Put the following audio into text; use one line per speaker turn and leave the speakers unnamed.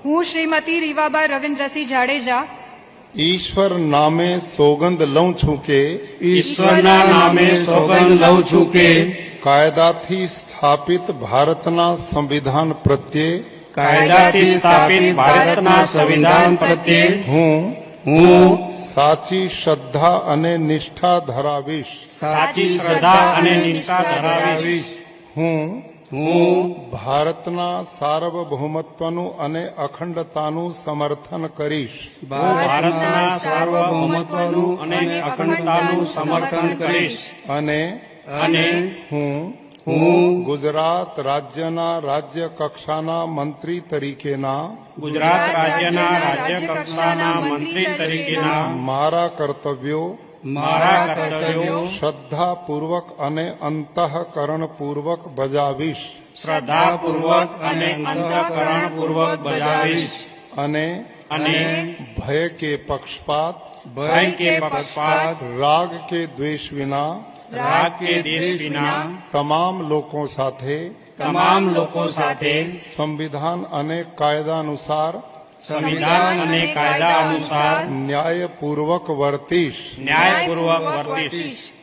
હું શ્રીમતી રીવાબા રવિન્દ્રસિંહ જાડેજા
ईश्वर नामे सोगंद लऊं छूं के
ईश्वरना नामे सोगंद लऊं छूं के
कायदाथी स्थापित भारतना संविधान प्रत्ये
कायदाथी स्थापित भारतना संविधान प्रत्ये
हूँ साची श्रद्धा अने निष्ठा धरावीश
साची श्रद्धा अने निष्ठा धरावीश
हूँ भारतना सार्वभौमत्वनु अने अखंडतानु समर्थन करीश
भारतना सार्वभौमत्वनु अने अखंडतानु समर्थन करीश अने हूँ
गुजरात राज्यना राज्य कक्षाना मंत्री तरीकेना
गुजरात राज्यना राज्य कक्षाना मंत्री तरीकेना
मारा कर्तव्यो श्रद्धापूर्वक अने अंतःकरण पूर्वक बजावीश
श्रद्धापूर्वक अने अंतःकरण पूर्वक बजावीश
अने भय के पक्षपात राग के द्वेष विना तमाम लोगों साथे संविधान अने कायदा अनुसार न्यायपूर्वक वर्तीश